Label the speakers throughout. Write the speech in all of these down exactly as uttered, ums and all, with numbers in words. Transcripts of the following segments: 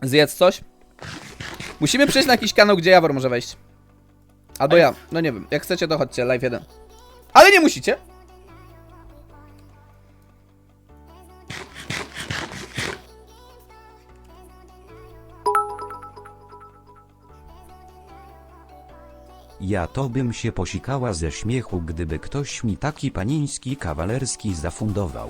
Speaker 1: Zjedz coś. Musimy przejść na jakiś kanał, gdzie Jawor może wejść. Albo ja, no nie wiem, jak chcecie to chodźcie, live jeden. Ale nie musicie.
Speaker 2: Ja to bym się posikała ze śmiechu, gdyby ktoś mi taki paniński kawalerski zafundował.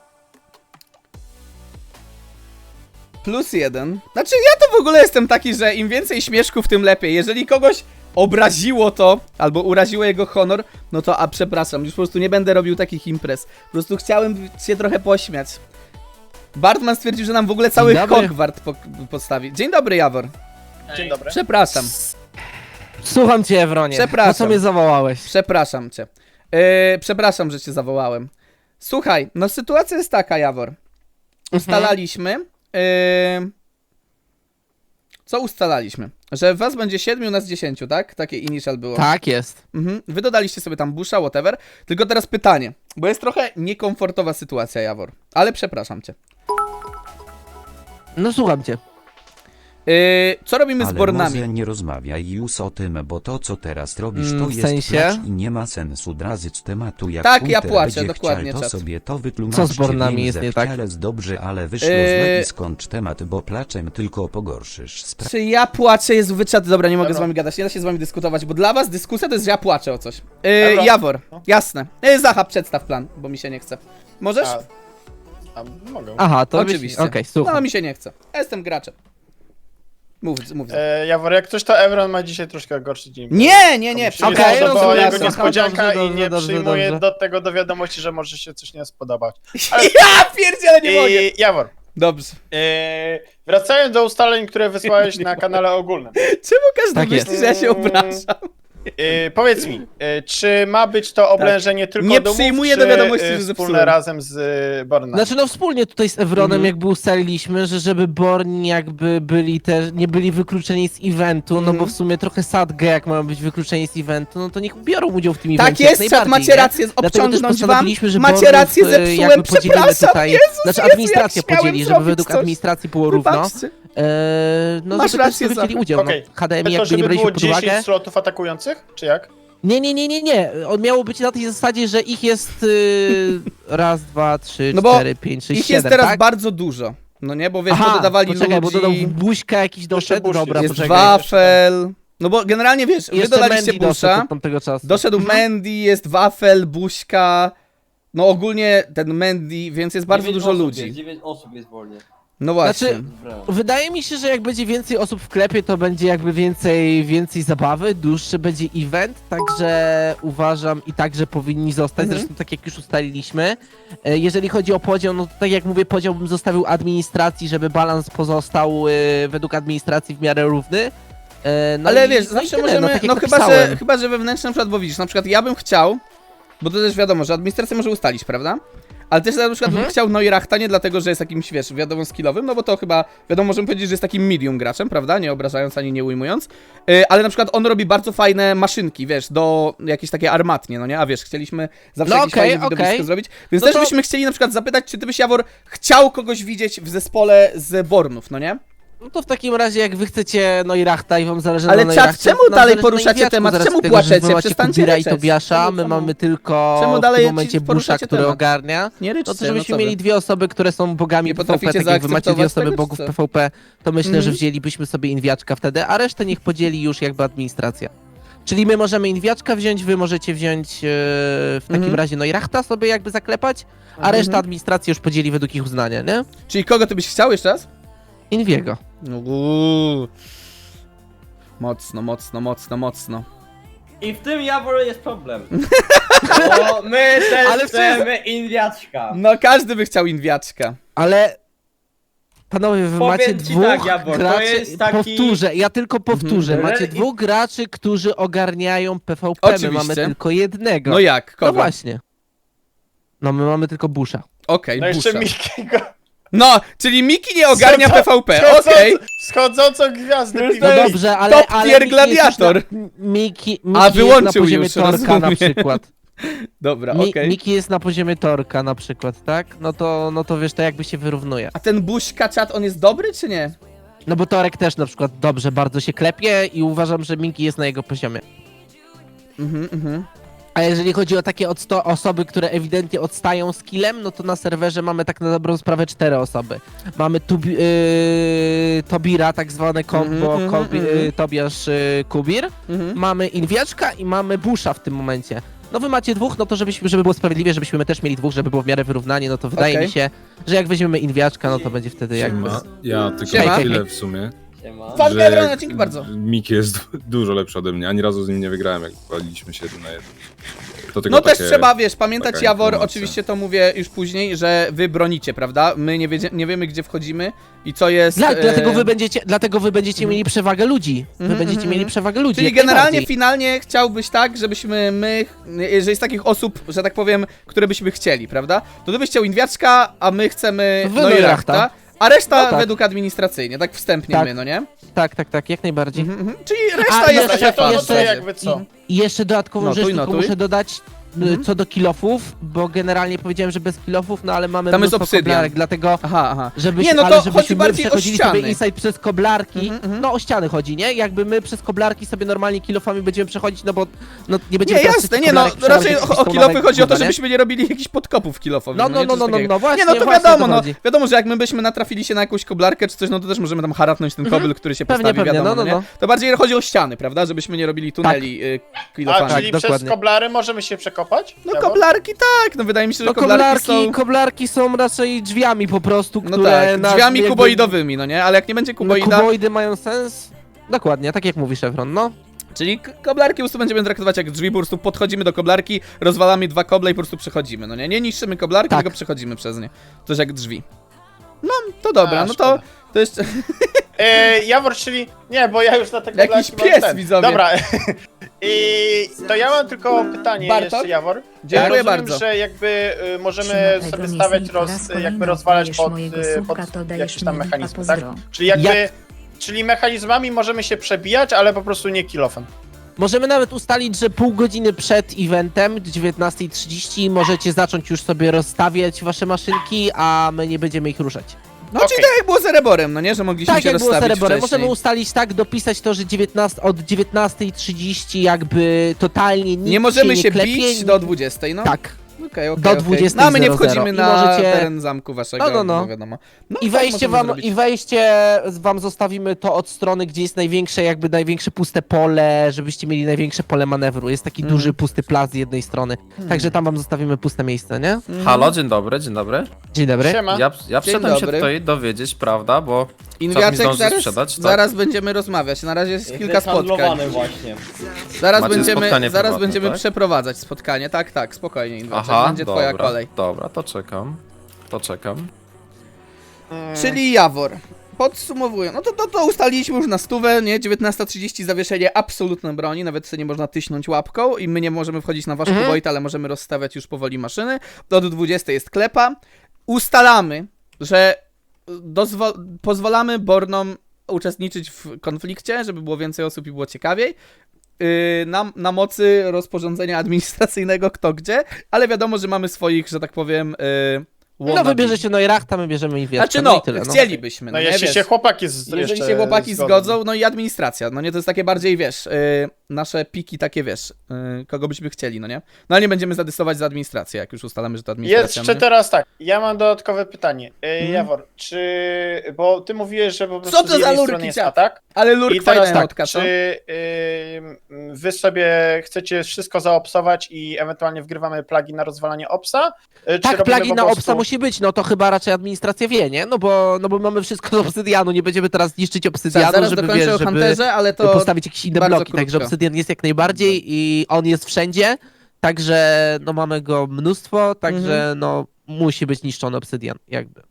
Speaker 1: Plus jeden. Znaczy ja to w ogóle jestem taki, że im więcej śmieszków, tym lepiej. Jeżeli kogoś obraziło to, albo uraziło jego honor, no to a przepraszam, już po prostu nie będę robił takich imprez. Po prostu chciałem się trochę pośmiać. Bartman stwierdził, że nam w ogóle cały Hogwart po postawi. Dzień dobry, Jawor.
Speaker 3: Dzień dobry.
Speaker 1: Przepraszam.
Speaker 4: Słucham cię, Ewronie.
Speaker 1: Przepraszam.
Speaker 4: Po co mnie zawołałeś?
Speaker 1: Przepraszam cię. Yy, przepraszam, że cię zawołałem. Słuchaj, no sytuacja jest taka, Jawor. Ustalaliśmy... Yy... Co ustalaliśmy? Że was będzie siedmiu, nas dziesięciu, tak? Takie initial było.
Speaker 4: Tak jest.
Speaker 1: Mhm. Wy dodaliście sobie tam busha, whatever. Tylko teraz pytanie, bo jest trochę niekomfortowa sytuacja, Jawor. Ale przepraszam cię.
Speaker 4: No słucham cię.
Speaker 1: Yy, co robimy
Speaker 2: Ale
Speaker 1: z Bornami?
Speaker 2: może nie rozmawiaj już o tym, bo to co teraz robisz to
Speaker 4: Mm, w
Speaker 2: jest
Speaker 4: sensie?
Speaker 2: placz i nie ma sensu drazyć z tematu. Jak
Speaker 1: Tak, ja
Speaker 2: Hunter
Speaker 1: płaczę,
Speaker 2: będzie
Speaker 1: dokładnie,
Speaker 2: chciał, to
Speaker 1: czat.
Speaker 2: sobie to wytłumaczcie.
Speaker 4: Co z Bornami
Speaker 2: wiem,
Speaker 4: jest
Speaker 2: że
Speaker 4: nie tak?
Speaker 2: wcielec dobrze, ale wyszło
Speaker 1: Yy.
Speaker 2: źle i skończ temat, bo placzem tylko pogorszysz sprawę.
Speaker 1: Czy ja płaczę, jest wyczat? Dobra, nie mogę
Speaker 3: Dobra.
Speaker 1: z wami gadać, nie da się z wami dyskutować, bo dla was dyskusja to jest, że ja płaczę o coś. Yy,
Speaker 3: Dobra.
Speaker 1: Jawor,
Speaker 3: No.
Speaker 1: jasne. Yy, Zacha, przedstaw plan, bo mi się nie chce. Możesz?
Speaker 3: A, a mogę.
Speaker 4: Aha, to
Speaker 1: Oczywiście.
Speaker 4: Okej, słucham.
Speaker 1: No mi się nie chce. Ja jestem graczem. Mów, mów.
Speaker 3: E, Jawor, jak coś to Evron ma dzisiaj troszkę gorszy dzień.
Speaker 1: Nie, nie, nie,
Speaker 3: Przyjdzie
Speaker 4: Okej,
Speaker 3: to, bo
Speaker 4: rozumiem,
Speaker 3: jego
Speaker 4: dobrze,
Speaker 3: niespodzianka
Speaker 4: dobrze,
Speaker 3: i nie
Speaker 4: dobrze,
Speaker 3: przyjmuje
Speaker 4: dobrze.
Speaker 3: do tego do wiadomości, że może się coś nie spodobać.
Speaker 1: Ja pierdzielę, nie mogę.
Speaker 3: I, Jawor,
Speaker 1: Dobrze.
Speaker 3: e, wracając do ustaleń, które wysłałeś na kanale ogólnym.
Speaker 1: Czemu każdy
Speaker 4: Tak
Speaker 1: myśli,
Speaker 4: jest.
Speaker 1: że ja się obrażam?
Speaker 3: E, powiedz mi, e, czy ma być to oblężenie tylko
Speaker 1: Nie
Speaker 3: domów,
Speaker 1: przyjmuję
Speaker 3: czy
Speaker 1: do wiadomości,
Speaker 3: e,
Speaker 1: że
Speaker 3: wspólne
Speaker 1: zepsułem.
Speaker 3: razem z e, Bornami?
Speaker 4: Znaczy no wspólnie tutaj z Evronem
Speaker 1: Mhm.
Speaker 4: jakby ustaliliśmy, że żeby Borni jakby byli też, nie byli wykluczeni z eventu, no
Speaker 1: Mhm.
Speaker 4: bo w sumie trochę sadge jak mają być wykluczeni z eventu, no to niech biorą udział w tym
Speaker 1: Tak
Speaker 4: evencie jak
Speaker 1: jest, czat,
Speaker 4: najbardziej,
Speaker 1: macie
Speaker 4: nie?
Speaker 1: rację,
Speaker 4: Dlatego też
Speaker 1: obciągnąć wam.
Speaker 4: postanowiliśmy, że
Speaker 1: Macie
Speaker 4: Bornów,
Speaker 1: rację,
Speaker 4: e,
Speaker 1: zepsułem,
Speaker 4: jakby podzielimy
Speaker 1: przepraszam,
Speaker 4: tutaj,
Speaker 1: Jezus,
Speaker 4: znaczy
Speaker 1: Jezu,
Speaker 4: administracja
Speaker 1: jak śmiałem
Speaker 4: podzieli, żeby
Speaker 1: zrobić
Speaker 4: według
Speaker 1: coś.
Speaker 4: administracji było równo,
Speaker 1: Wybaczcie.
Speaker 4: e, no
Speaker 1: Masz
Speaker 4: żeby
Speaker 1: rację,
Speaker 4: też sobie wzięli
Speaker 1: Zacha.
Speaker 4: udział,
Speaker 3: Okej.
Speaker 4: no H D M I
Speaker 3: To,
Speaker 4: jakby nie
Speaker 3: żeby
Speaker 4: braliśmy
Speaker 3: było
Speaker 4: pod uwagę.
Speaker 3: dziesięć slotów atakujących, czy jak?
Speaker 4: Nie, nie, nie, nie, nie. On miało być na tej zasadzie, że ich jest y, raz, dwa, trzy,
Speaker 1: No bo
Speaker 4: cztery, pięć, sześć,
Speaker 1: Ich
Speaker 4: siedem,
Speaker 1: jest teraz
Speaker 4: tak?
Speaker 1: bardzo dużo. No nie, bo wiesz,
Speaker 4: Aha,
Speaker 1: bo dodawali
Speaker 4: poczekaj,
Speaker 1: ludzi.
Speaker 4: bo dodał buźka jakiś doszedł,
Speaker 3: Bush
Speaker 4: dobra,
Speaker 1: Jest
Speaker 4: poczekaj.
Speaker 1: wafel. No bo generalnie wiesz, wy
Speaker 4: Jeszcze
Speaker 1: dodaliście
Speaker 4: Mandy doszedł
Speaker 1: busza.
Speaker 4: od tamtego czasu.
Speaker 1: Doszedł Mandy, jest wafel, buźka. No ogólnie ten Mandy, więc jest bardzo
Speaker 5: dziewięć
Speaker 1: dużo
Speaker 5: osób
Speaker 1: ludzi.
Speaker 5: Jest, dziewięć osób jest wolnie.
Speaker 1: No właśnie.
Speaker 4: Znaczy-
Speaker 5: Brawo.
Speaker 4: Wydaje mi się, że jak będzie więcej osób w klepie, to będzie jakby więcej, więcej zabawy, dłuższy będzie event, także uważam i także powinni zostać,
Speaker 1: Mhm.
Speaker 4: zresztą tak jak już ustaliliśmy. E, Jeżeli chodzi o podział, no to tak jak mówię, podział bym zostawił administracji, żeby balans pozostał e, według administracji w miarę równy. E, No
Speaker 1: Ale
Speaker 4: i-
Speaker 1: wiesz,
Speaker 4: no i
Speaker 1: zawsze
Speaker 4: tyle,
Speaker 1: możemy,
Speaker 4: no, tak jak
Speaker 1: no chyba że,
Speaker 4: napisałem.
Speaker 1: chyba, że wewnętrzne na przykład, bo widzisz, na przykład ja bym chciał, bo to też wiadomo, że administracja może ustalić, prawda? Ale też na przykład
Speaker 4: Mhm.
Speaker 1: bym chciał Neurachta nie dlatego, że jest jakimś, wiesz, wiadomo, skillowym, no bo to chyba, wiadomo, możemy powiedzieć, że jest takim medium graczem, prawda? Nie obrażając ani nie ujmując. Yy, ale na przykład on robi bardzo fajne maszynki, wiesz, do jakieś takie armatnie, no nie? A wiesz, chcieliśmy zawsze
Speaker 4: No
Speaker 1: jakieś
Speaker 4: okej,
Speaker 1: fajne widowisko
Speaker 4: okej.
Speaker 1: zrobić. Więc
Speaker 4: No
Speaker 1: też
Speaker 4: to-
Speaker 1: byśmy chcieli na przykład zapytać, czy ty byś, Jawor, chciał kogoś widzieć w zespole z Bornów, no nie?
Speaker 4: No to w takim razie, jak wy chcecie Neurachta i wam zależy
Speaker 1: Ale
Speaker 4: na
Speaker 1: czat,
Speaker 4: Neurachcie,
Speaker 1: czemu
Speaker 4: to nam
Speaker 1: dalej
Speaker 4: zależy na
Speaker 1: poruszacie
Speaker 4: Inwiaczku,
Speaker 1: temat?
Speaker 4: zaraz
Speaker 1: Czemu
Speaker 4: tego, że
Speaker 1: płaczecie?
Speaker 4: wy macie
Speaker 1: Przestańcie
Speaker 4: Kubira i
Speaker 1: ryczeć.
Speaker 4: Tobiasza,
Speaker 1: Czemu-
Speaker 4: my
Speaker 1: czemu?
Speaker 4: mamy tylko
Speaker 1: Czemu
Speaker 4: w
Speaker 1: dalej
Speaker 4: tym momencie Busha,
Speaker 1: poruszacie
Speaker 4: który
Speaker 1: temat?
Speaker 4: ogarnia.
Speaker 1: Nie ryczcie,
Speaker 4: No to żebyśmy
Speaker 1: co wy.
Speaker 4: mieli dwie osoby, które są bogami
Speaker 1: Nie
Speaker 4: P V
Speaker 1: potraficie
Speaker 4: P, tak jak wy macie dwie
Speaker 1: zaakceptować
Speaker 4: osoby
Speaker 1: tego,
Speaker 4: bogów
Speaker 1: czy co?
Speaker 4: P V P, to myślę,
Speaker 1: Mhm.
Speaker 4: że wzięlibyśmy sobie Inwiaczka wtedy, a resztę niech podzieli już jakby administracja. Czyli my możemy Inwiaczka wziąć, wy możecie wziąć e, w takim
Speaker 1: Mhm.
Speaker 4: razie Neurachta sobie jakby zaklepać, a
Speaker 1: Mhm.
Speaker 4: reszta administracji już podzieli według ich uznania, nie?
Speaker 1: Czyli kogo ty byś chciał jeszcze raz?
Speaker 4: Inwiego.
Speaker 1: Uuu. Mocno, mocno, mocno, mocno.
Speaker 5: I w tym Jawor jest problem. Bo my też
Speaker 4: Ale
Speaker 5: chcemy Inwiaczka.
Speaker 1: No każdy by chciał Inwiaczka.
Speaker 4: Ale panowie, wy
Speaker 5: Powiem
Speaker 4: macie
Speaker 5: ci
Speaker 4: dwóch
Speaker 5: tak, Jabor, to
Speaker 4: graczy,
Speaker 5: jest taki-
Speaker 4: powtórzę, ja tylko powtórzę,
Speaker 5: Mhm.
Speaker 4: macie
Speaker 5: Re-
Speaker 4: dwóch graczy, którzy ogarniają P V P,
Speaker 1: Oczywiście.
Speaker 4: my mamy tylko jednego.
Speaker 1: No jak?
Speaker 4: No
Speaker 1: Kogo?
Speaker 4: właśnie. No my mamy tylko Busha.
Speaker 1: Okej,
Speaker 3: No jeszcze
Speaker 1: Busha.
Speaker 3: Mikiego.
Speaker 1: No, czyli Miki nie ogarnia
Speaker 3: Co-
Speaker 1: P V P,
Speaker 3: Schodząc-
Speaker 1: okej.
Speaker 3: Schodzącą gwiazdę.
Speaker 1: No
Speaker 3: Miki.
Speaker 4: No
Speaker 1: to jest
Speaker 4: dobrze, ale,
Speaker 1: top
Speaker 4: ale
Speaker 1: tier
Speaker 4: Miki jest już
Speaker 1: gladiator.
Speaker 4: Na, Miki, Miki
Speaker 1: A,
Speaker 4: jest
Speaker 1: wyłączył
Speaker 4: na poziomie
Speaker 1: już,
Speaker 4: Torka
Speaker 1: rozumiem.
Speaker 4: na przykład.
Speaker 1: Dobra,
Speaker 4: Mi,
Speaker 1: okej.
Speaker 4: Miki jest na poziomie Torka na przykład, tak? No to, no to wiesz, to jakby się wyrównuje.
Speaker 1: A ten Buźka czat, on jest dobry czy nie?
Speaker 4: No bo Torek też na przykład dobrze bardzo się klepie i uważam, że Minki jest na jego poziomie.
Speaker 1: Mhm, mhm.
Speaker 4: A jeżeli chodzi o takie odsto- osoby, które ewidentnie odstają z killem, no to na serwerze mamy tak na dobrą sprawę cztery osoby. Mamy tubi- yy, Tobira, tak zwane kombo,
Speaker 1: Mhm,
Speaker 4: Kobi-
Speaker 1: mhm.
Speaker 4: yy, Tobiasz yy, Kubir.
Speaker 1: Mhm.
Speaker 4: Mamy Inwiaczka i mamy Busha w tym momencie. No wy macie dwóch, no to żebyśmy, żeby było sprawiedliwie, żebyśmy my też mieli dwóch, żeby było w miarę wyrównanie, no to wydaje
Speaker 1: Okej.
Speaker 4: mi się, że jak weźmiemy Inwiaczka, no to będzie wtedy jakby...
Speaker 6: Siema. Ja tylko
Speaker 1: Siema.
Speaker 6: chwilę w sumie.
Speaker 5: Siema.
Speaker 1: Pan
Speaker 6: że
Speaker 1: Pedro, no dzięki bardzo.
Speaker 6: Miki jest du- dużo lepszy ode mnie. Ani razu z nim nie wygrałem, jak waliliśmy się jeden na jeden. To tylko
Speaker 1: No też
Speaker 6: takie-
Speaker 1: trzeba, wiesz, pamiętać,
Speaker 6: taka
Speaker 1: Jawor,
Speaker 6: informacja.
Speaker 1: oczywiście to mówię już później, że wy bronicie, prawda? My nie, wiedzie, nie wiemy, gdzie wchodzimy i co jest...
Speaker 4: Dla,
Speaker 1: e,
Speaker 4: dlatego wy będziecie, dlatego wy będziecie mieli przewagę ludzi. Wy
Speaker 1: Mhm,
Speaker 4: będziecie
Speaker 1: mhm,
Speaker 4: mieli
Speaker 1: mhm.
Speaker 4: przewagę ludzi.
Speaker 1: Czyli
Speaker 4: jak
Speaker 1: generalnie,
Speaker 4: najbardziej.
Speaker 1: finalnie chciałbyś tak, żebyśmy my, że jest takich osób, że tak powiem, które byśmy chcieli, prawda? To ty byś chciał Inwiaczka, a my chcemy
Speaker 4: Wy
Speaker 1: Neurachta,
Speaker 4: Neurachta.
Speaker 1: a reszta
Speaker 4: No tak.
Speaker 1: według administracyjnie, tak wstępnie
Speaker 4: Tak.
Speaker 1: my, no nie?
Speaker 4: Tak, tak, tak, jak najbardziej.
Speaker 1: Mhm, mhm. Czyli reszta
Speaker 4: A,
Speaker 1: jest
Speaker 4: jeszcze-
Speaker 3: Ja to
Speaker 1: szefa.
Speaker 3: notuję
Speaker 4: jeszcze-
Speaker 3: jakby co.
Speaker 4: I jeszcze dodatkową
Speaker 1: Notuj,
Speaker 4: rzecz tylko
Speaker 1: notuj.
Speaker 4: muszę dodać y,
Speaker 1: Mhm.
Speaker 4: co do kilofów, bo generalnie powiedziałem, że bez kilofów, no ale mamy
Speaker 1: Tam jest
Speaker 4: mnóstwo
Speaker 1: obsydian.
Speaker 4: koblarek, dlatego
Speaker 1: Aha, aha.
Speaker 4: żebyś,
Speaker 1: Nie, no
Speaker 4: ale
Speaker 1: to
Speaker 4: żebyśmy
Speaker 1: chodzi
Speaker 4: my
Speaker 1: bardziej o
Speaker 4: przechodzili
Speaker 1: ściany.
Speaker 4: sobie insight przez koblarki,
Speaker 1: Mhm, mhm.
Speaker 4: no o ściany chodzi, nie? Jakby my przez koblarki sobie normalnie kilofami będziemy przechodzić, no bo no, nie będziemy
Speaker 1: Nie,
Speaker 4: teraz
Speaker 1: jasne,
Speaker 4: tych
Speaker 1: nie no,
Speaker 4: koblarek przełamać
Speaker 1: raczej
Speaker 4: jakieś
Speaker 1: o, o
Speaker 4: stonowe
Speaker 1: kilofy chodzi o to,
Speaker 4: kurwa, nie?
Speaker 1: żebyśmy nie robili jakichś podkopów kilofowych.
Speaker 4: No, no,
Speaker 1: nie?
Speaker 4: no,
Speaker 1: Coś
Speaker 4: no, no,
Speaker 1: takiego.
Speaker 4: no, właśnie,
Speaker 1: Nie, no to
Speaker 4: właśnie o
Speaker 1: wiadomo,
Speaker 4: to
Speaker 1: no,
Speaker 4: chodzi.
Speaker 1: wiadomo, że jak my byśmy natrafili się na jakąś koblarkę czy coś, no to też możemy tam haratnąć ten kobel, który się
Speaker 4: Pewnie,
Speaker 1: postawi,
Speaker 4: pewnie,
Speaker 1: wiadomo,
Speaker 4: no, no,
Speaker 1: nie?
Speaker 4: no.
Speaker 1: To bardziej chodzi o ściany, prawda, żebyśmy nie robili tuneli y,
Speaker 3: A,
Speaker 1: kilofami.
Speaker 3: czyli
Speaker 4: Tak,
Speaker 3: przez
Speaker 4: dokładnie.
Speaker 3: koblary możemy się przekopać?
Speaker 1: No
Speaker 3: Jawor?
Speaker 1: koblarki tak, no wydaje mi się, że
Speaker 4: No
Speaker 1: koblarki,
Speaker 4: koblarki,
Speaker 1: są...
Speaker 4: koblarki są raczej drzwiami po prostu,
Speaker 1: No
Speaker 4: które...
Speaker 1: tak,
Speaker 4: na-
Speaker 1: drzwiami
Speaker 4: jakby-
Speaker 1: kuboidowymi, no nie? Ale jak nie będzie
Speaker 4: No,
Speaker 1: kuboida,
Speaker 4: kuboidy mają sens? Dokładnie, tak jak mówi Chevron, no.
Speaker 1: czyli k- koblarki po prostu będziemy traktować jak drzwi, po prostu podchodzimy do koblarki, rozwalamy dwa koble i po prostu przechodzimy, no nie? Nie niszczymy koblarki,
Speaker 4: Tak.
Speaker 1: tylko przechodzimy przez nie. To jest jak drzwi. No, to dobra,
Speaker 3: A,
Speaker 1: no to,
Speaker 3: szkoda.
Speaker 1: to jeszcze...
Speaker 3: E, Jawor, czyli... Nie, bo ja już na te
Speaker 1: Jakiś
Speaker 3: koblarki mam
Speaker 1: pies,
Speaker 3: ten.
Speaker 1: widzowie.
Speaker 3: Dobra. I to ja mam tylko pytanie
Speaker 1: Bartok?
Speaker 3: jeszcze, Jawor.
Speaker 1: Dziękuję
Speaker 3: ja rozumiem,
Speaker 1: bardzo.
Speaker 3: że jakby y, możemy
Speaker 7: Siema,
Speaker 3: sobie
Speaker 7: Egon,
Speaker 3: stawiać,
Speaker 7: jeśli po
Speaker 3: roz,
Speaker 7: raz kolejny
Speaker 3: jakby rozwalać
Speaker 7: odbijesz
Speaker 3: pod,
Speaker 7: mojego
Speaker 3: y,
Speaker 7: słupka,
Speaker 3: pod
Speaker 7: to dajesz
Speaker 3: jakieś tam
Speaker 7: mi
Speaker 3: mechanizmy,
Speaker 7: lipa,
Speaker 3: tak?
Speaker 7: pozdro.
Speaker 3: Czyli jakby...
Speaker 4: Jak-
Speaker 3: Czyli mechanizmami możemy się przebijać, ale po prostu nie kilofem.
Speaker 4: Możemy nawet ustalić, że pół godziny przed eventem, dziewiętnasta trzydzieści, możecie zacząć już sobie rozstawiać wasze maszynki, a my nie będziemy ich ruszać.
Speaker 1: No,
Speaker 3: Okej.
Speaker 1: czyli tak jak było z Ereborem, no nie? Że mogliśmy
Speaker 4: Tak
Speaker 1: się
Speaker 4: jak było z
Speaker 1: rozstawić
Speaker 4: Cereborem,
Speaker 1: wcześniej.
Speaker 4: możemy ustalić tak, dopisać to, że dziewiętnasta, od dziewiętnasta trzydzieści jakby totalnie nic
Speaker 1: Nie możemy się,
Speaker 4: nie klepie,
Speaker 1: bić
Speaker 4: nie-
Speaker 1: do dwudziestej, no.
Speaker 4: Tak.
Speaker 1: Okej, okej,
Speaker 4: do
Speaker 1: okej.
Speaker 4: dwudziestej
Speaker 1: No, a my nie
Speaker 4: zero zero.
Speaker 1: wchodzimy
Speaker 4: I
Speaker 1: na
Speaker 4: możecie-
Speaker 1: teren zamku waszego,
Speaker 4: No, no, no.
Speaker 1: bo wiadomo. No,
Speaker 4: I
Speaker 1: tak
Speaker 4: wejście
Speaker 1: możemy
Speaker 4: wam,
Speaker 1: zrobić.
Speaker 4: i wejście wam zostawimy to od strony, gdzie jest największe, jakby największe puste pole, żebyście mieli największe pole manewru. Jest taki
Speaker 1: Mm.
Speaker 4: duży pusty plac z jednej strony. Także tam wam zostawimy puste miejsce, nie?
Speaker 8: Halo, dzień dobry, dzień dobry.
Speaker 4: Dzień dobry.
Speaker 3: Siema.
Speaker 8: Ja, ja
Speaker 1: Dzień
Speaker 8: przyszedłem się
Speaker 1: dobry.
Speaker 8: tutaj dowiedzieć, prawda, bo czas mi
Speaker 1: Inwiaczek,
Speaker 8: zdąży
Speaker 1: zaraz,
Speaker 8: sprzedać, tak?
Speaker 1: zaraz będziemy rozmawiać. Na razie jest
Speaker 5: Jest
Speaker 1: kilka spotkań.
Speaker 5: handlowany właśnie.
Speaker 1: Zaraz
Speaker 8: Macie
Speaker 1: będziemy,
Speaker 8: spotkanie
Speaker 1: zaraz
Speaker 8: prywatne,
Speaker 1: będziemy
Speaker 8: tak?
Speaker 1: przeprowadzać spotkanie. Tak, tak, spokojnie, Inwiaczek.
Speaker 8: Aha,
Speaker 1: Będzie
Speaker 8: dobra,
Speaker 1: twoja kolej.
Speaker 8: dobra, to czekam, to czekam.
Speaker 3: Mm,
Speaker 1: Czyli Jawor. Podsumowując, no to, to, to ustaliliśmy już na stówę, nie? dziewiętnasta trzydzieści zawieszenie absolutne broni, nawet sobie nie można tyśnąć łapką i my nie możemy wchodzić na wasz
Speaker 4: Mhm.
Speaker 1: kuboid, ale możemy rozstawiać już powoli maszyny. Od dwudziestej jest klepa. Ustalamy, że dozwo- pozwalamy Bornom uczestniczyć w konflikcie, żeby było więcej osób i było ciekawiej. Yy, na, na mocy rozporządzenia administracyjnego kto gdzie, ale wiadomo, że mamy swoich, że tak powiem, yy,
Speaker 4: No
Speaker 1: wannabe.
Speaker 4: wybierzecie Neurachta, my bierzemy Inwiaczka.
Speaker 1: Znaczy
Speaker 4: no
Speaker 1: no,
Speaker 4: i tyle, no.
Speaker 1: chcielibyśmy,
Speaker 3: No
Speaker 1: no, nie,
Speaker 3: jeśli
Speaker 1: wiesz,
Speaker 3: się chłopaki z,
Speaker 1: jeżeli
Speaker 3: jeszcze
Speaker 1: się chłopaki
Speaker 3: zgodzą.
Speaker 1: zgodzą, no i administracja, no nie, to jest takie bardziej, wiesz, yy, nasze piki takie, wiesz, yy, kogo byśmy chcieli, no nie? No ale nie będziemy zadecydować za administrację, jak już ustalamy, że to administracja,
Speaker 3: Jeszcze
Speaker 1: no nie?
Speaker 3: teraz tak, ja mam dodatkowe pytanie. E,
Speaker 1: Mhm.
Speaker 3: Jawor, czy... Bo ty mówiłeś, że po prostu
Speaker 1: Co to
Speaker 3: z jednej
Speaker 1: za lurki,
Speaker 3: strony jest
Speaker 1: ciap?
Speaker 3: atak.
Speaker 1: Ale
Speaker 3: I
Speaker 1: lurk
Speaker 3: teraz
Speaker 1: fajna
Speaker 3: tak,
Speaker 1: notka, co?
Speaker 3: czy ym, wy sobie chcecie wszystko zaopsować i ewentualnie wgrywamy plagi na rozwalanie opsa? Y, czy
Speaker 4: Tak,
Speaker 3: robimy
Speaker 4: plagi
Speaker 3: po
Speaker 4: na
Speaker 3: prostu-
Speaker 4: obsa musi być, no to chyba raczej administracja wie, nie? No bo, no bo mamy wszystko z obsydianu, nie będziemy teraz niszczyć obsydianu,
Speaker 1: Zaraz
Speaker 4: żeby,
Speaker 1: dokończę
Speaker 4: wiesz,
Speaker 1: o
Speaker 4: żeby
Speaker 1: Hunterze, ale to...
Speaker 4: postawić jakieś inne
Speaker 1: bardzo
Speaker 4: bloki, także
Speaker 1: krótko.
Speaker 4: obsydian jest jak najbardziej i on jest wszędzie, także no mamy go mnóstwo, także
Speaker 1: Mhm.
Speaker 4: no musi być niszczony obsydian, jakby.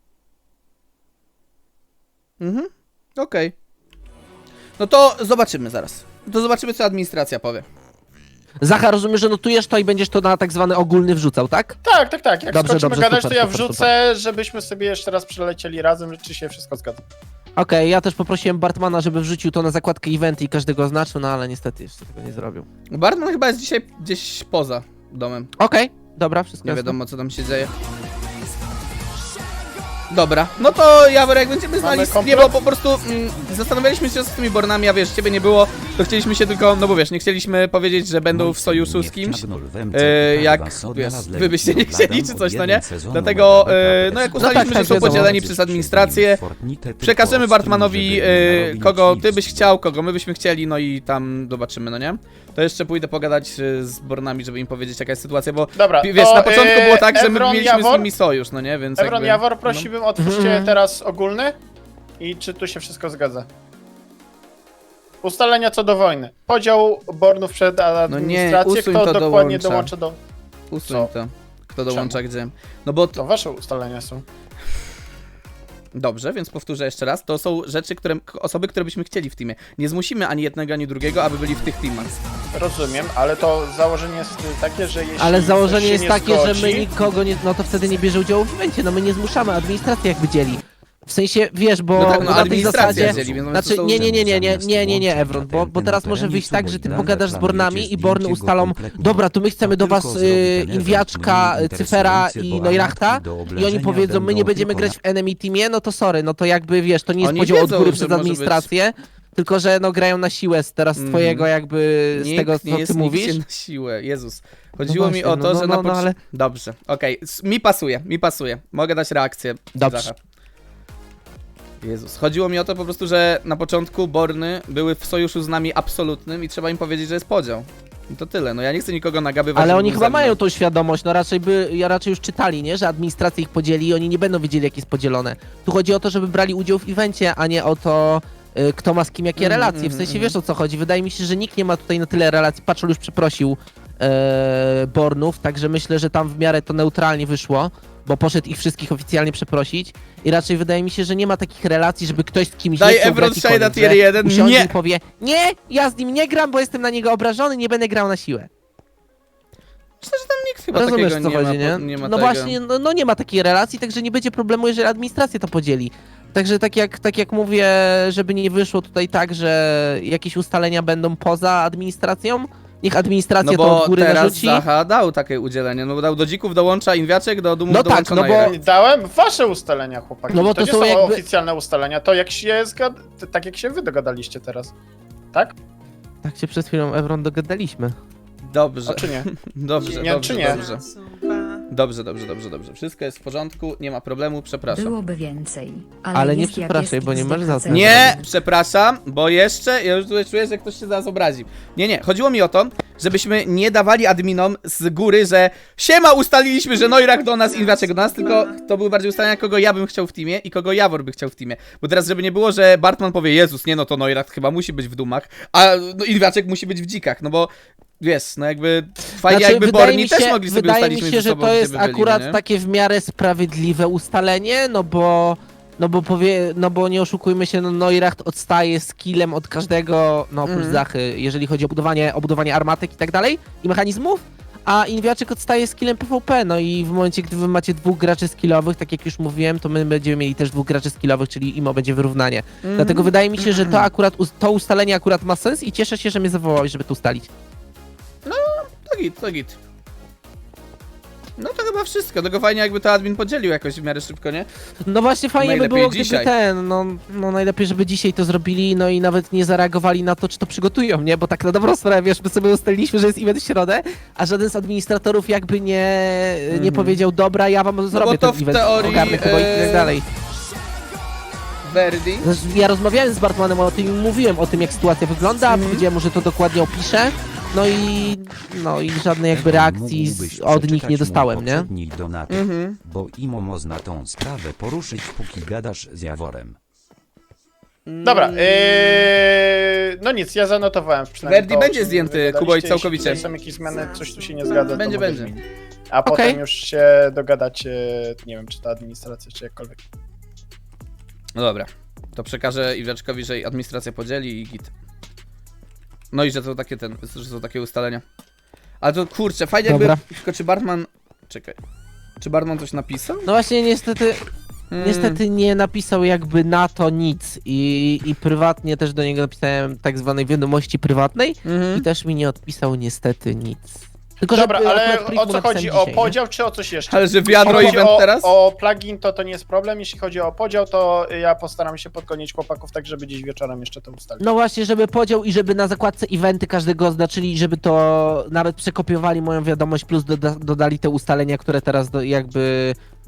Speaker 1: Mhm, okej. No to zobaczymy zaraz. To zobaczymy, co administracja powie.
Speaker 4: Zacha, rozumiem, że notujesz to i będziesz to na tak zwany ogólny wrzucał, tak?
Speaker 3: Tak, tak, tak. Jak
Speaker 4: Dobrze,
Speaker 3: skończymy
Speaker 4: dobrze,
Speaker 3: gadać,
Speaker 4: super,
Speaker 3: to ja
Speaker 4: super,
Speaker 3: wrzucę, żebyśmy sobie jeszcze raz przelecieli razem, czy się wszystko zgadza.
Speaker 4: Okej, ja też poprosiłem Bartmana, żeby wrzucił to na zakładkę eventy i każdego oznaczył, no ale niestety jeszcze tego nie zrobił.
Speaker 1: Bartman chyba jest dzisiaj gdzieś poza domem.
Speaker 4: Okej, dobra, wszystko
Speaker 1: Nie
Speaker 4: jasne.
Speaker 1: wiadomo, co tam się dzieje. Dobra, no to Jawor, jak będziemy znali,
Speaker 3: Mamy
Speaker 1: nie, bo po prostu mm, zastanawialiśmy się z tymi Bornami, a wiesz, ciebie nie było, to chcieliśmy się tylko, no bo wiesz, nie chcieliśmy powiedzieć, że będą w sojuszu z kimś, e, jak, wiesz, wy byście nie chcieli czy coś, no nie? Dlatego, e, no jak ustaliliśmy,
Speaker 4: tak, tak,
Speaker 1: że są
Speaker 4: wiadomo.
Speaker 1: podzieleni przez administrację, przekażemy Bartmanowi, e, kogo ty byś chciał, kogo my byśmy chcieli, no i tam zobaczymy, no nie? To jeszcze pójdę pogadać e, z Bornami, żeby im powiedzieć, jaka jest sytuacja, bo
Speaker 3: Dobra,
Speaker 1: wi- wiesz,
Speaker 3: to,
Speaker 1: na początku
Speaker 3: e,
Speaker 1: było tak, że my
Speaker 3: Evron,
Speaker 1: mieliśmy z
Speaker 3: Jawor?
Speaker 1: nimi sojusz, no nie? Więc
Speaker 3: Evron,
Speaker 1: jakby,
Speaker 3: Jawor, prosiłbym, otwórzcie
Speaker 4: Mhm.
Speaker 3: teraz ogólny i czy tu się wszystko zgadza. Ustalenia co do wojny. Podział Bornów przed administrację,
Speaker 1: usuń
Speaker 3: kto
Speaker 1: to,
Speaker 3: dokładnie
Speaker 1: dołącza.
Speaker 3: dołączy do...
Speaker 1: Usuń
Speaker 3: Co?
Speaker 1: to. Kto dołącza gdzie. No bo to...
Speaker 3: To wasze ustalenia są.
Speaker 1: Dobrze, więc powtórzę jeszcze raz. To są rzeczy, które... osoby, które byśmy chcieli w teamie. Nie zmusimy ani jednego, ani drugiego, aby byli w tych teamach.
Speaker 3: Rozumiem, ale to założenie jest takie, że jeśli
Speaker 4: Ale
Speaker 3: ktoś
Speaker 4: założenie
Speaker 3: się
Speaker 4: jest
Speaker 3: nie
Speaker 4: takie,
Speaker 3: zgodzi,
Speaker 4: że my nikogo nie, no to wtedy nie bierze udziału w evencie, no my nie zmuszamy, administracja jakby dzieli. W sensie, wiesz, bo
Speaker 1: No tak, no
Speaker 4: na tej
Speaker 1: administracja
Speaker 4: zasadzie...
Speaker 1: dzieli, więc
Speaker 4: Znaczy,
Speaker 1: to są-
Speaker 4: nie, nie, nie, nie, nie, nie, nie, nie, Evron, bo, bo teraz może wyjść tak, że ty pogadasz z Bornami i Borny ustalą, dobra, to my chcemy do was y, Inwiaczka, Cyfera i Neurachta i oni powiedzą, my nie będziemy grać w enemy teamie, no to sorry, no to jakby, wiesz, to nie jest
Speaker 1: Oni
Speaker 4: podział od
Speaker 1: wiedzą,
Speaker 4: góry
Speaker 1: że
Speaker 4: przez
Speaker 1: może
Speaker 4: administrację, tylko że no grają na siłę z teraz
Speaker 1: Mhm.
Speaker 4: twojego jakby, z
Speaker 1: Nikt
Speaker 4: tego
Speaker 1: nie
Speaker 4: co
Speaker 1: jest
Speaker 4: ty mówisz.
Speaker 1: nigdzie na siłę. Jezus. Chodziło
Speaker 4: No
Speaker 1: mi
Speaker 4: właśnie,
Speaker 1: o to,
Speaker 4: no,
Speaker 1: że
Speaker 4: no,
Speaker 1: na
Speaker 4: no,
Speaker 1: początku...
Speaker 4: ale-
Speaker 1: Dobrze, okej. S- Mi pasuje, mi pasuje. Mogę dać reakcję.
Speaker 4: Dobrze.
Speaker 1: Zacha. Jezus. Chodziło mi o to po prostu, że na początku Borny były w sojuszu z nami absolutnym i trzeba im powiedzieć, że jest podział. I to tyle. No ja nie chcę nikogo nagabywać.
Speaker 4: Ale
Speaker 1: żeby
Speaker 4: oni
Speaker 1: był
Speaker 4: chyba
Speaker 1: ze mną.
Speaker 4: mają tą świadomość, no raczej by, ja raczej już czytali, nie, że administracja ich podzieli i oni nie będą wiedzieli, jak jest podzielone. Tu chodzi o to, żeby brali udział w evencie, a nie o to, y, kto ma z kim jakie
Speaker 1: Mhm,
Speaker 4: relacje. W
Speaker 1: mhm,
Speaker 4: sensie
Speaker 1: mhm.
Speaker 4: wiesz, o co chodzi. Wydaje mi się, że nikt nie ma tutaj na tyle relacji. Patrol już przeprosił e, Bornów, także myślę, że tam w miarę to neutralnie wyszło, bo poszedł ich wszystkich oficjalnie przeprosić i raczej wydaje mi się, że nie ma takich relacji, żeby ktoś z kimś
Speaker 1: Daj
Speaker 4: nie chciał
Speaker 1: Evron
Speaker 4: grać i
Speaker 1: Shade na
Speaker 4: koniec,
Speaker 1: tier
Speaker 4: że
Speaker 1: jeden.
Speaker 4: usiądzie
Speaker 1: Nie!
Speaker 4: i powie, nie, ja z nim nie gram, bo jestem na niego obrażony, nie będę grał na siłę.
Speaker 1: Myślę, że tam nikt chyba
Speaker 4: Rozumiesz,
Speaker 1: takiego
Speaker 4: co
Speaker 1: nie,
Speaker 4: chodzi,
Speaker 1: ma,
Speaker 4: nie?
Speaker 1: po- nie ma
Speaker 4: No
Speaker 1: tego.
Speaker 4: właśnie, no, no nie ma takiej relacji, także nie będzie problemu, jeżeli administracja to podzieli. Także tak jak, tak jak mówię, żeby nie wyszło tutaj tak, że jakieś ustalenia będą poza administracją, niech administracja
Speaker 1: No
Speaker 4: to
Speaker 1: bo
Speaker 4: od góry
Speaker 1: teraz
Speaker 4: narzuci.
Speaker 1: Zacha dał takie udzielenie. No bo dał do dzików dołącza Inwiaczek, do Dumów
Speaker 4: No tak,
Speaker 1: dołącza
Speaker 4: no bo-
Speaker 1: Najra.
Speaker 3: Nie dałem wasze ustalenia, chłopaki.
Speaker 4: No bo
Speaker 3: to,
Speaker 4: to
Speaker 3: nie
Speaker 4: są
Speaker 3: są
Speaker 4: jakby-
Speaker 3: oficjalne ustalenia, to jak się zgad... tak jak się wy dogadaliście teraz. Tak?
Speaker 4: Tak się przed chwilą, Evron, dogadaliśmy.
Speaker 1: Dobrze,
Speaker 3: A czy nie?
Speaker 1: dobrze,
Speaker 3: Nie,
Speaker 1: dobrze,
Speaker 3: czy nie?
Speaker 1: dobrze. Dobrze, dobrze, dobrze, dobrze. Wszystko jest w porządku, nie ma problemu, przepraszam.
Speaker 7: Byłoby więcej. Ale,
Speaker 4: Ale nie
Speaker 7: jest jak
Speaker 4: przepraszaj,
Speaker 7: jest
Speaker 4: bo
Speaker 7: i
Speaker 4: nie masz za co.
Speaker 1: Nie, przepraszam, bo jeszcze, ja już tutaj czuję, że ktoś się zaraz obrazi. Nie, nie, chodziło mi o to, żebyśmy nie dawali adminom z góry, że siema, ustaliliśmy, że Noirak do nas, Inwiaczek do nas, tylko to były bardziej ustalenia, kogo ja bym chciał w teamie i kogo Jawor by chciał w teamie. Bo teraz, żeby nie było, że Bartman powie, Jezus, nie no, to Noirak chyba musi być w Dumach, a no, Inwiaczek musi być w Dzikach, no bo wiesz, no jakby fajnie
Speaker 4: Znaczy,
Speaker 1: jakby
Speaker 4: wydaje
Speaker 1: Borni
Speaker 4: mi się,
Speaker 1: też mogli sobie
Speaker 4: wydaje
Speaker 1: ustalić
Speaker 4: mi
Speaker 1: między
Speaker 4: się, że
Speaker 1: sobą,
Speaker 4: to
Speaker 1: gdzie
Speaker 4: jest
Speaker 1: by byli,
Speaker 4: akurat
Speaker 1: nie?
Speaker 4: takie w miarę sprawiedliwe ustalenie, no bo no bo powie, no bo nie oszukujmy się, no Neuracht odstaje skillem od każdego, no oprócz
Speaker 1: Mhm.
Speaker 4: Zachy, jeżeli chodzi o budowanie, o budowanie armatek i tak dalej i mechanizmów, a Inwiaczek odstaje skillem P V P, no i w momencie, gdy wy macie dwóch graczy skillowych, tak jak już mówiłem, to my będziemy mieli też dwóch graczy skillowych, czyli Imo będzie wyrównanie.
Speaker 1: Mhm.
Speaker 4: Dlatego wydaje mi się, że to akurat, to ustalenie akurat ma sens i cieszę się, że mnie zawołałeś, żeby to ustalić.
Speaker 1: To git, to git. No to chyba wszystko, tylko fajnie jakby to admin podzielił jakoś w miarę szybko, nie?
Speaker 4: No właśnie fajnie by
Speaker 1: Najlepiej
Speaker 4: było, gdyby
Speaker 1: dzisiaj.
Speaker 4: ten, no, no najlepiej, żeby dzisiaj to zrobili, no i nawet nie zareagowali na to, czy to przygotują, nie? Bo tak na dobrą sprawę, wiesz, my sobie ustaliliśmy, że jest event w środę, a żaden z administratorów jakby nie, nie
Speaker 1: Mhm.
Speaker 4: powiedział, dobra, ja wam zrobię
Speaker 1: bo to
Speaker 4: ten
Speaker 1: w
Speaker 4: event,
Speaker 1: teorii,
Speaker 4: ogarnę kogo i
Speaker 1: e,
Speaker 4: tak dalej.
Speaker 1: Verdi.
Speaker 4: Zresztą Ja rozmawiałem z Bartmanem o tym i mówiłem o tym, jak sytuacja wygląda,
Speaker 1: Mhm.
Speaker 4: powiedziałem mu, że to dokładnie opiszę, no i, no i żadnej jakby reakcji z, od nich nie dostałem, nie?
Speaker 2: Donaty,
Speaker 1: Mhm.
Speaker 2: bo imo można tą sprawę poruszyć, póki gadasz z Jaworem.
Speaker 3: Dobra, yy, no nic, ja zanotowałem przynajmniej
Speaker 1: Verdi
Speaker 3: to, o
Speaker 1: będzie
Speaker 3: czym
Speaker 1: zdjęty,
Speaker 3: wygadaliście.
Speaker 1: Kubo, i
Speaker 3: Jeśli
Speaker 1: całkowicie.
Speaker 3: tutaj są jakieś zmiany, coś tu się nie zgadza,
Speaker 1: Będzie,
Speaker 3: to mogę
Speaker 1: będzie.
Speaker 3: zmienić. A
Speaker 4: Okej.
Speaker 3: potem już się dogadacie, nie wiem, czy ta administracja, czy jakkolwiek.
Speaker 1: No dobra, to przekażę Iwiaczkowi, że administracja podzieli i git. No i że to takie ten, że są takie ustalenia. Ale to kurczę, fajnie
Speaker 4: Dobra.
Speaker 1: jakby, tylko czy Bartman, czekaj, czy Bartman coś napisał?
Speaker 4: No właśnie niestety,
Speaker 1: Hmm.
Speaker 4: Niestety nie napisał jakby na to nic i, i prywatnie też do niego napisałem tak zwanej wiadomości prywatnej
Speaker 1: Mhm.
Speaker 4: i też mi nie odpisał niestety nic. Tylko,
Speaker 3: Dobra,
Speaker 4: że
Speaker 3: ale
Speaker 4: akurat Prick
Speaker 3: o
Speaker 4: mu
Speaker 3: co
Speaker 4: napisałem
Speaker 3: chodzi?
Speaker 4: dzisiaj,
Speaker 3: O
Speaker 4: nie?
Speaker 3: podział czy o coś jeszcze?
Speaker 1: Ale że wiadro
Speaker 3: Jeśli chodzi
Speaker 1: event
Speaker 3: o,
Speaker 1: teraz?
Speaker 3: o plugin, to to nie jest problem. Jeśli chodzi o podział, to ja postaram się podgonić chłopaków tak, żeby gdzieś wieczorem jeszcze to ustalić.
Speaker 4: No właśnie, żeby podział i żeby na zakładce eventy każdego oznaczyli, żeby to nawet przekopiowali moją wiadomość, plus doda dodali te ustalenia, które teraz do, jakby